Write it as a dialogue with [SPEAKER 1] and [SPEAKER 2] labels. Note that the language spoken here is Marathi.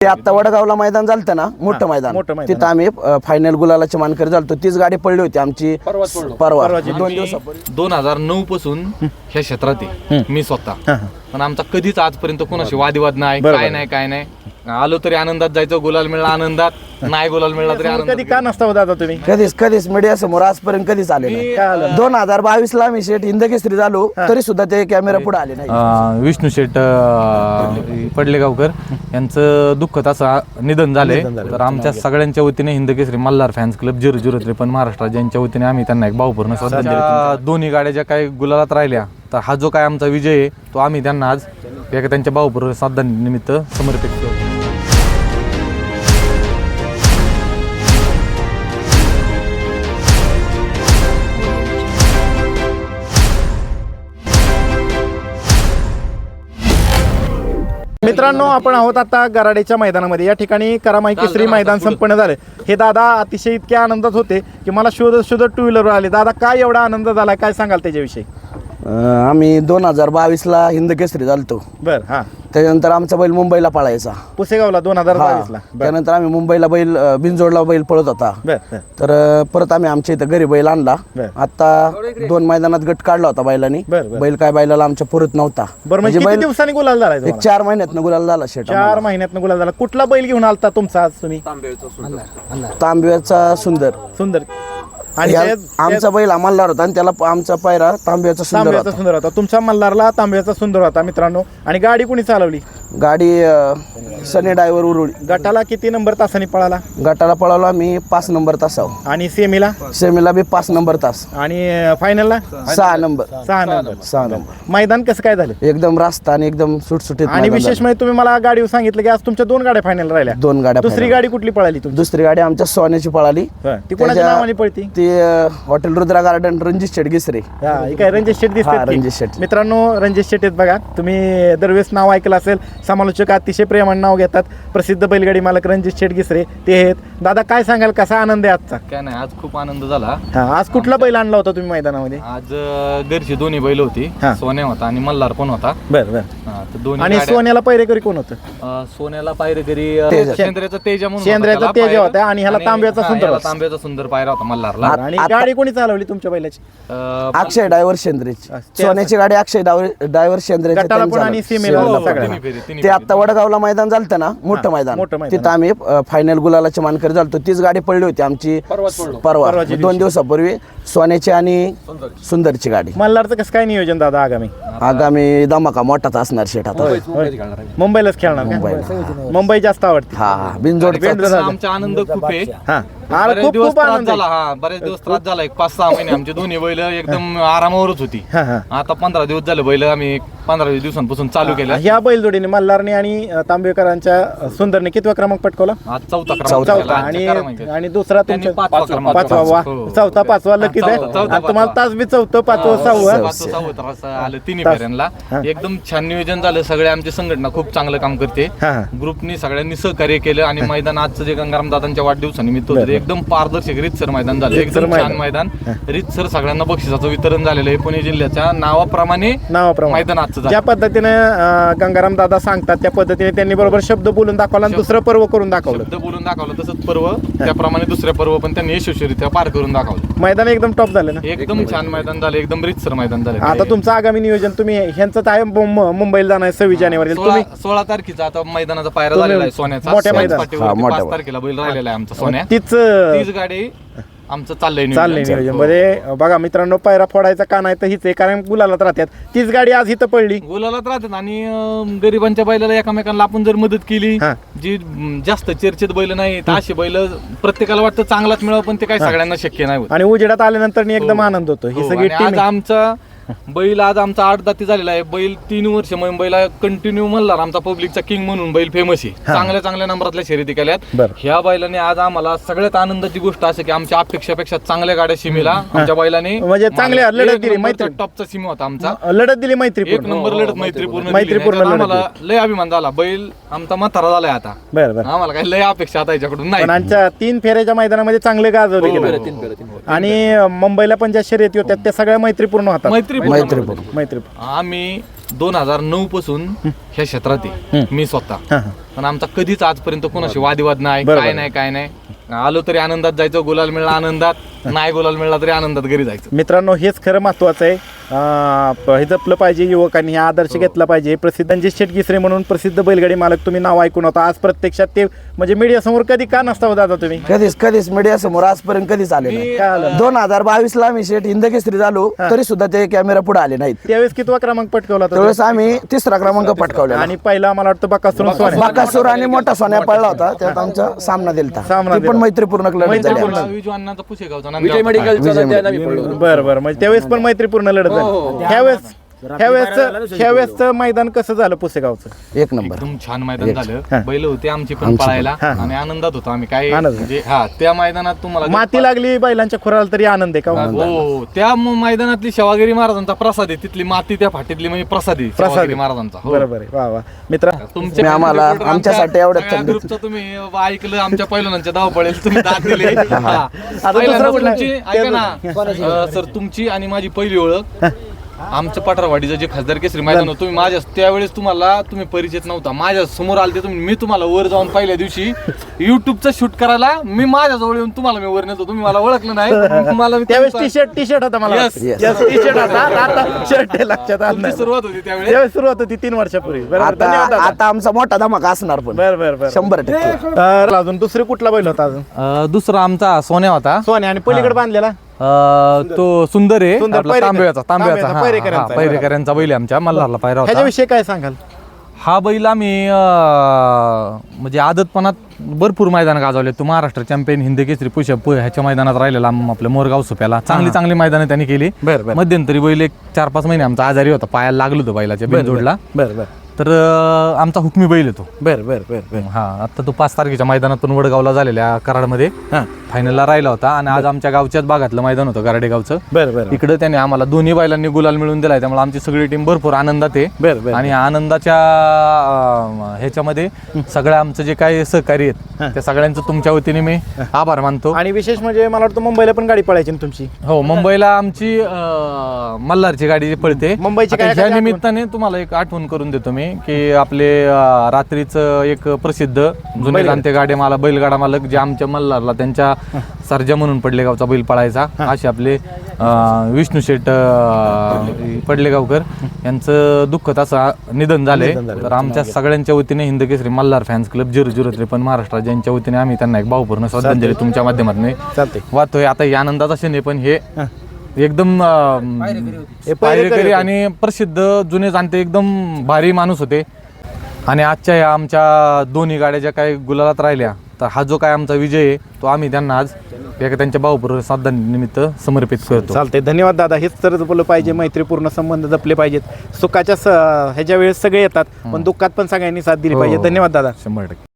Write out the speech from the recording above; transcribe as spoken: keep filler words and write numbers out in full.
[SPEAKER 1] ते आता वडगावला मैदान झालं ना, मोठं मैदान, तिथं आम्ही फायनल गुलालाची मानकरी झालतो. तीच गाडी पडली होती आमची परवा दोन दिवसापूर्वी.
[SPEAKER 2] दोन हजार नऊ पासून ह्या क्षेत्रात आहे मी स्वतः, पण आमचा कधीच आजपर्यंत कोणाशी वादविवाद नाही, काय नाही काय नाही. आलो तरी आनंदात जायचो, गुलाल मिळला आनंदात, नाही गुलाल मिळला तरी आनंदात.
[SPEAKER 3] कधी का नसता दादा तुम्ही?
[SPEAKER 1] कधीच कधीच मीडिया समोर आजपर्यंत कधीच आले नाही. दोन हजार बावीस ला आम्ही शेठ हिंदकेसरी झालो तरी सुद्धा ते कॅमेरा पुढे आले नाही.
[SPEAKER 2] विष्णू शेठ पडलेगावकर यांचं दुःखद असं निधन झालंय, तर आमच्या सगळ्यांच्या वतीने Hindkesari Malhar fans club zero zero त्रेपन्न महाराष्ट्र यांच्या वतीने आम्ही त्यांना एक भावपूर्ण श्रद्धांजली. दोन्ही गाड्या ज्या काही गुलालात राहिल्या, तर हा जो काय आमचा विजय आहे तो आम्ही त्यांना आज एका त्यांच्या भावपूर्ण श्रद्धांनिमित्त समर्पित करतो.
[SPEAKER 3] मित्रांनो, आपण आहोत आता गराडेच्या मैदानामध्ये. या ठिकाणी करामाई केसरी मैदान संपन्न झाले. हे दादा अतिशय इतक्या आनंदात होते की मला शोधत शोधत टू व्हीलरवर आले. दादा काय एवढा आनंद झाला, काय सांगाल त्याच्याविषयी?
[SPEAKER 1] आम्ही दोन हजार बावीस ला हिंदकेसरी झालतो.
[SPEAKER 3] बर हा
[SPEAKER 1] त्यानंतर आमचा बैल मुंबईला पळायचा,
[SPEAKER 3] पुसेगावला दोन हजार बावीस ला.
[SPEAKER 1] त्यानंतर आम्ही मुंबईला बैल बिनजोडला बैल पळत होता. तर परत आम्ही आमच्या इथं घरी बैल आणला. आता दोन मैदानात गट काढला होता बैलांनी. बैल काय बैलाला आमच्या पुरत नव्हता.
[SPEAKER 3] म्हणजे किती दिवसांनी गुलाल झाला?
[SPEAKER 1] एक चार महिन्यात गुलाल झाला शेट.
[SPEAKER 3] चार महिन्यात गुलाल झाला. कुठला बैल घेऊन आलता तुमचा आज तुम्ही?
[SPEAKER 1] तांब्याचा सुंदर.
[SPEAKER 3] सुंदर.
[SPEAKER 1] आणि आमचा बैल मल्हार होता आणि त्याला आमचा पायरा तांब्याचा सुंदर होता.
[SPEAKER 3] सुंदर होता. तुमच्या मल्हारला तांब्याचा सुंदर होता. मित्रांनो, आणि गाडी कोणी चालवली?
[SPEAKER 1] गाडी सनी ड्रायव्हर उरुळी.
[SPEAKER 3] गटाला किती नंबर तासाने पळाला?
[SPEAKER 1] गटाला पळाला मी पाच नंबर तासावर.
[SPEAKER 3] आणि सेमीला?
[SPEAKER 1] सेमीला बी पाच नंबर तास.
[SPEAKER 3] आणि फायनलला
[SPEAKER 1] सहा नंबर.
[SPEAKER 3] सहा नंबर
[SPEAKER 1] सहा नंबर.
[SPEAKER 3] मैदान कसं काय झालं?
[SPEAKER 1] एकदम रास्ता आणि एकदम सुटसुटीत.
[SPEAKER 3] आणि विशेष म्हणजे तुम्ही मला गाडीवर सांगितलं की आज तुमच्या दोन गाड्या फायनल राहिल्या.
[SPEAKER 1] दोन गाड्या.
[SPEAKER 3] दुसरी गाडी कुठली पळाली तुमची?
[SPEAKER 1] दुसरी गाडी आमच्या सोन्याची पळाली.
[SPEAKER 3] ती कोणाच्या नावाने पळती?
[SPEAKER 1] ती हॉटेल रुद्रा गार्डन रणजित शेट गिसरे.
[SPEAKER 3] काय रणजित शेट दिसते?
[SPEAKER 1] रणजित शेट.
[SPEAKER 3] मित्रांनो, रणजित शेट आहेत बघा. तुम्ही दरवेळेस नाव ऐकलं असेल. समालोचक अतिशय प्रेमाने नाव घेतात. प्रसिद्ध बैलगाडी मालक रणजित शेट गिसरे ते आहेत. दादा काय सांगाल, कसा आनंद आहे आजचा?
[SPEAKER 2] काय नाही, आज खूप आनंद झाला.
[SPEAKER 3] आज कुठला बैल आणला होता तुम्ही मैदानामध्ये?
[SPEAKER 2] आज घरची दोन्ही बैल होती, सोन्या होता आणि मल्हार पण होता.
[SPEAKER 3] बरं बरं.
[SPEAKER 2] दोन्ही.
[SPEAKER 3] आणि सोन्याला पैरेकरी कोण होतं?
[SPEAKER 2] सोन्याला पायरेकरी शेंद्र्याचा तेजा म्हणून
[SPEAKER 3] शेंद्र्याचा तेजा होता आणि ह्याला तांब्याचा सुंदर.
[SPEAKER 2] तांब्याचा सुंदर पायरा होता मल्हारला.
[SPEAKER 3] आणि गाडी कोणी चालवली तुमच्या बैलाची?
[SPEAKER 1] अक्षय ड्रायव्हर शेंद्रेची. सोन्याची गाडी अक्षय ड्रायव्हर शेंद्रेची. ते आता वडगावला मैदान झालं ना, मोठं मैदान, तिथं आम्ही फायनल गुलालाची मानकरी झालतो. तीच गाडी पडली होती आमची परवा दोन दिवसापूर्वी, सोन्याची आणि सुंदरची गाडी.
[SPEAKER 3] मल्हारचं कसं काय नियोजन दादा आगामी?
[SPEAKER 1] आगामी धमाका मोठाच असणार शेट. आता
[SPEAKER 3] मुंबईलाच खेळणार का? मुंबई जास्त आवडते.
[SPEAKER 1] हा हा बिनजोड.
[SPEAKER 2] आमचा आनंद खूप आहे. बरेच दिवस त्रास झाला. हा बरेच दिवस त्रास झाला. एक पाच सहा महिने आमचे दोन्ही बैल एकदम आरामावरच होती. आता पंधरा दिवस झाले बैल आम्ही पंधरा वीस दिवसांपासून चालू केलं.
[SPEAKER 3] ह्या बैलजोडीने मल्हारने आणि तांबेकरांच्या सुंदरने कितवा क्रमांक पटकवला?
[SPEAKER 2] आज चौथा
[SPEAKER 3] चौथा. आणि आणि दुसरा तुमच्या पाचवा. वा, चौथा पाचवा लकीच आहे. तुम्हाला तास बी चौथं पाचवं सहावं
[SPEAKER 2] आलं तिन्ही फेऱ्यांना. एकदम छान नियोजन झालं. सगळे आमची संघटना खूप चांगलं काम करते. ग्रुपनी सगळ्यांनी सहकार्य केलं आणि मैदान आजचं जे गंगाराम दादांच्या वाढदिवसानिमित्त होतं एकदम पारदर्शक रीतसर मैदान झालं. एकदम छान मैदान, रीतसर सगळ्यांना बक्षिसाचं वितरण झालेलं आहे. पुणे जिल्ह्याच्या नावाप्रमाणे नावाप्रमाणे मैदान आजचं.
[SPEAKER 3] ज्या पद्धतीने गंगाराम दादा सांगतात त्या पद्धतीने त्यांनी बरोबर शब्द बोलून दाखवला आणि दुसरं पर्व करून दाखवलं.
[SPEAKER 2] शब्द बोलून दाखवलं तसंच पर्व त्याप्रमाणे दुसऱ्या पर्व पण त्यांनी यशस्वीरित्या पार करून दाखवलं.
[SPEAKER 3] मैदान एकदम टॉप झालं ना?
[SPEAKER 2] एकदम छान मैदान झालं, एकदम रीतसर मैदान झालं.
[SPEAKER 3] आता तुमचं आगामी नियोजन तुम्ही ह्यांचं आहे मुंबईला जाणार सव्वीस जानेवारी. तुम्ही
[SPEAKER 2] सोळा तारखेचा आता मैदानाचा पायरा झालेला आहे सोन्याचा.
[SPEAKER 3] मोठ्या मैदान
[SPEAKER 2] पाच तारखेला बैल राहिलेला आहे आमचा सोन्या.
[SPEAKER 3] तीच
[SPEAKER 2] तीच गाडी आमचं चाललंय
[SPEAKER 3] चाललंय नियोजन. मध्ये बघा मित्रांनो, पायरा फोडायचा का नाही तर हीच आहे, कारण गुलालात राहतात. तीच गाडी आज इथं पडली.
[SPEAKER 2] गुलालात राहतात आणि गरिबांच्या बैलाला एकमेकांना आपण जर मदत केली, जी जास्त चर्चेत बैल नाही तर अशी बैल प्रत्येकाला वाटतं चांगलाच मिळावं, पण ते काही सगळ्यांना शक्य नाही.
[SPEAKER 3] आणि उजेडात आल्यानंतर एकदम आनंद होतो. ही सगळी
[SPEAKER 2] आज आमचा बैल आज आमचा आठ दाती झालेला आहे. बैल तीन वर्ष मुंबईला कंटिन्यू मल्हार आमचा पब्लिकचा किंग म्हणून बैल फेमस आहे. चांगल्या चांगल्या नंबरातल्या शर्यती केल्यात. ह्या बैलाने आज आम्हाला सगळ्यात आनंदाची गोष्ट असं की आमच्या अपेक्षापेक्षा चांगल्या गाड्या सीमेला आमच्या बैलाने
[SPEAKER 3] म्हणजे चांगल्या लढत दिली. मैत्री
[SPEAKER 2] टॉपचा सीम होता आमचा.
[SPEAKER 3] लढत दिली मैत्री
[SPEAKER 2] एक नंबर लढत मैत्रीपूर्ण
[SPEAKER 3] मैत्रीपूर्ण.
[SPEAKER 2] आम्हाला लय अभिमान झाला. बैल आमचा म्हातारा झालाय आता.
[SPEAKER 3] बरं
[SPEAKER 2] आम्हाला काही लय अपेक्षा आता याच्याकडून नाही.
[SPEAKER 3] आमच्या तीन फेऱ्याच्या मैदानामध्ये चांगले गाजवले आणि मुंबईला पण ज्या शर्यती होत्या त्या सगळ्या मैत्रीपूर्ण होतात.
[SPEAKER 2] मैत्रीपूर्ण
[SPEAKER 3] मैत्री.
[SPEAKER 2] आम्ही दोन हजार नऊ पासून ह्या क्षेत्रात आहे मी स्वतः. पण आमचा कधीच आजपर्यंत कोणाशी वादिवाद नाही, काय नाही काय नाही. आलो तरी आनंदात जायचं, गुलाल मिळला आनंदात, नाही गुलाल मिळला तरी आनंदात घरी जायचं.
[SPEAKER 3] मित्रांनो, हेच खरं महत्वाचं आहे. अं, हे जपलं पाहिजे युवकांनी, हा आदर्श घेतला पाहिजे. प्रसिद्ध रणजित शेठ गिसरे म्हणून प्रसिद्ध बैलगाडी मालक तुम्ही नाव ऐकून होता. आज प्रत्यक्षात ते म्हणजे मीडिया समोर कधी का नसता दादा तुम्ही?
[SPEAKER 1] कधीच कधीच मीडिया समोर आजपर्यंत कधीच आले नाही. दोन हजार बावीस ला आम्ही शेठ हिंद केसरी झालो तरी सुद्धा ते कॅमेरा पुढे आले नाहीत.
[SPEAKER 3] त्यावेळेस कितवा क्रमांक पटकवला होता?
[SPEAKER 1] त्यावेळेस आम्ही तिसरा क्रमांक पटकावला
[SPEAKER 3] आणि पहिला मला वाटतं बकासूर सोन्या.
[SPEAKER 1] बाकासूर आणि मोठा सोन्या पडला होता, त्यात आमचा सामना दिलता.
[SPEAKER 3] सामना
[SPEAKER 1] ती पण मैत्रीपूर्ण लढत झाली आमची.
[SPEAKER 2] विजू अण्णांचा पुसेगावचा
[SPEAKER 4] विजय मेडिकलचा त्या आम्ही पडलो.
[SPEAKER 3] बरं बरं, म्हणजे त्यावेळेस पण मैत्रीपूर्ण लढत झाली. ह्यावेळेस ह्यावेळेस ह्यावेळेसचं मैदान कसं झालं पुसेगावचं?
[SPEAKER 1] एक नंबर
[SPEAKER 2] एकदम छान मैदान झालं. बैल होते आमची पण पळायला आणि आनंदात होतो आम्ही. काय म्हणजे हा त्या मैदानात तुम्हाला
[SPEAKER 3] माती लागली बैलांच्या खुराला तरी आनंद आहे का?
[SPEAKER 2] हो, त्या म- मैदानातली शिवागिरी महाराजांचा प्रसाद आहे. तिथली माती त्या फाटीतली म्हणजे प्रसाद आहे शिवागिरी महाराजांचा. हो.
[SPEAKER 3] बरोबर आहे. वा वा मित्रा,
[SPEAKER 2] तुमच्या
[SPEAKER 1] आम्हाला-
[SPEAKER 2] आमच्या-
[SPEAKER 1] आमच्यासाठी एवढ्या
[SPEAKER 2] सगळ्या
[SPEAKER 1] थंडीत.
[SPEAKER 2] ग्रुपचं तुम्ही ऐकलं, आमच्या पैलवानांच्या धाव पडेल तुम्ही दाद दिले. हा.
[SPEAKER 3] दुसरं
[SPEAKER 2] पहिल्यांदा
[SPEAKER 3] कुठलं?
[SPEAKER 2] तुमची ऐका ना अं, सर, तुमची आणि माझी पहिली ओळख आमचं पठारवाडीचं जे खासदार केसरी मैदान होतं, तुम्ही माझ्या त्यावेळेस तुम्हाला तुम्ही परिचित नव्हता, माझ्या समोर आलते तुम्ही. मी तुम्हाला वर जाऊन पहिल्या दिवशी युट्यूबचं शूट करायला मी माझ्या जवळ येऊन तुम्हाला मी वर नेतो. तुम्ही मला ओळखलं नाही. मला मी
[SPEAKER 3] त्यावेळेस
[SPEAKER 2] तुमचा-
[SPEAKER 3] टी शर्ट टी शर्ट होता मला
[SPEAKER 2] Yes.
[SPEAKER 3] वाटतं. Yes, टी शर्ट होता. आता शर्ट आहे, लक्षात आलं
[SPEAKER 2] तुमची
[SPEAKER 3] नाही.
[SPEAKER 2] सुरुवात होती त्यावेळेस.
[SPEAKER 3] त्यावेळेस सुरुवात होती तीन वर्षापूर्वी. बरोबर, धन्यवाद
[SPEAKER 1] आता
[SPEAKER 3] दादा.
[SPEAKER 1] आता आमचा मोठा धमाका असणार पण
[SPEAKER 3] बरं बरं बरं.
[SPEAKER 1] शंभर टक्के.
[SPEAKER 3] तर अजून दुसरे कुठला बैल होता अजून?
[SPEAKER 2] अं, दुसरा आमचा सोन्या होता.
[SPEAKER 3] सोन्या आणि पलीकडे बांधलेला
[SPEAKER 2] अं, तो सुंदर आहे
[SPEAKER 3] सुंदर,
[SPEAKER 2] आपला
[SPEAKER 3] पैरेकर.
[SPEAKER 2] तांब्याचा तांब्याचा
[SPEAKER 3] तांब्याचा,
[SPEAKER 2] हा,
[SPEAKER 3] पैरेकरांचा.
[SPEAKER 2] हा, पैरेकरांचा बैल आहे आमच्या मल्हारला पायरा होता.
[SPEAKER 3] ह्याच्याविषयी काय सांगाल?
[SPEAKER 2] हा बैल आम्ही अं, म्हणजे आदतपणात भरपूर मैदान गाजवले. तो महाराष्ट्र चॅम्पियन हिंद केसरी पुषप ह्याच्या मैदानात राहिलेला आम- आपल्या मोरगाव सुप्याला चांगली चांगली मैदानं त्यांनी केली.
[SPEAKER 3] बरं, बरं.
[SPEAKER 2] मध्यंतरी बैल एक चार पाच महिने आमचा आजारी होता, पायाला लागलो होतो बैलाच्या बिनजोडला.
[SPEAKER 3] बरं बरं
[SPEAKER 2] तर अं, आमचा हुकमी बैल येतो.
[SPEAKER 3] बरं बरं बरं बरं.
[SPEAKER 2] हा, आता तो पाच तारखेच्या मैदानातून वडगावला झालेल्या कराडमध्ये
[SPEAKER 3] हां,
[SPEAKER 2] फायनलला राहिला होता. आणि आज आमच्या गावच्याच भागातलं मैदान होतं गारडेगावचं.
[SPEAKER 3] बरं बरं
[SPEAKER 2] इकडे त्याने आम्हाला दोन्ही बैलांनी गुलाल मिळवून दिलाय. त्यामुळे आमची सगळी टीम भरपूर आनंदात आहे.
[SPEAKER 3] बरं बरं.
[SPEAKER 2] आणि आनंदाच्या अं, ह्याच्यामध्ये सगळ्या आमचं जे काही सहकारी आहेत त्या सगळ्यांचं तुमच्या वतीने मी आभार मानतो.
[SPEAKER 3] आणि विशेष म्हणजे मला वाटतं मुंबईला पण गाडी पळायची ना तुमची?
[SPEAKER 2] हो, मुंबईला आमची अं, मल्हारची गाडी पळते.
[SPEAKER 3] मुंबईची
[SPEAKER 2] आता
[SPEAKER 3] काय-
[SPEAKER 2] ह्या
[SPEAKER 3] काय आठवण?
[SPEAKER 2] निमित्ताने तुम्हाला एक आठवण करून देतो मी की आपले अं, रात्रीचं एक प्रसिद्ध जुने
[SPEAKER 3] बैलगाडा.
[SPEAKER 2] जाणते गाडे मालक बैलगाडा मालक जे आमच्या मल्हारला त्यांच्या सर्जा म्हणून पडलेगावचा बैल पळायचा, असे आपले अं, विष्णू शेठ अं, पडलेगावकर यांचं दुःखद असं निधन झालंय. तर आमच्या सगळ्यांच्या वतीने Hind Kesari Malhar fans club zero zero त्रेपन्न महाराष्ट्र यांच्या वतीने आम्ही त्यांना एक भावपूर्ण श्रद्धांजली तुमच्या माध्यमातून
[SPEAKER 3] चालते.
[SPEAKER 2] वाहतोय. आता या आनंदाचा क्षण आहे, पण हे एकदम अं,
[SPEAKER 3] हे
[SPEAKER 2] पायरेकरी आणि प्रसिद्ध जुने जाणते एकदम भारी माणूस होते. आणि आजच्या या आमच्या दोन्ही गाड्या ज्या काही गुलालात राहिल्या, तर हा जो काय आमचा विजय आहे तो आम्ही त्यांना आज एका त्यांच्या भावपूर्ण श्रद्धांनिमित्त समर्पित करतो.
[SPEAKER 3] चालते. धन्यवाद दादा. हेच तर जपलं पाहिजे, मैत्रीपूर्ण संबंध जपले पाहिजेत. सुखाच्या स- ह्याच्या वेळेस सगळे येतात, पण दुःखात पण सगळ्यांनी साथ दिली
[SPEAKER 2] हो.
[SPEAKER 3] पाहिजे. धन्यवाद दादा.
[SPEAKER 2] शंभर टक्के.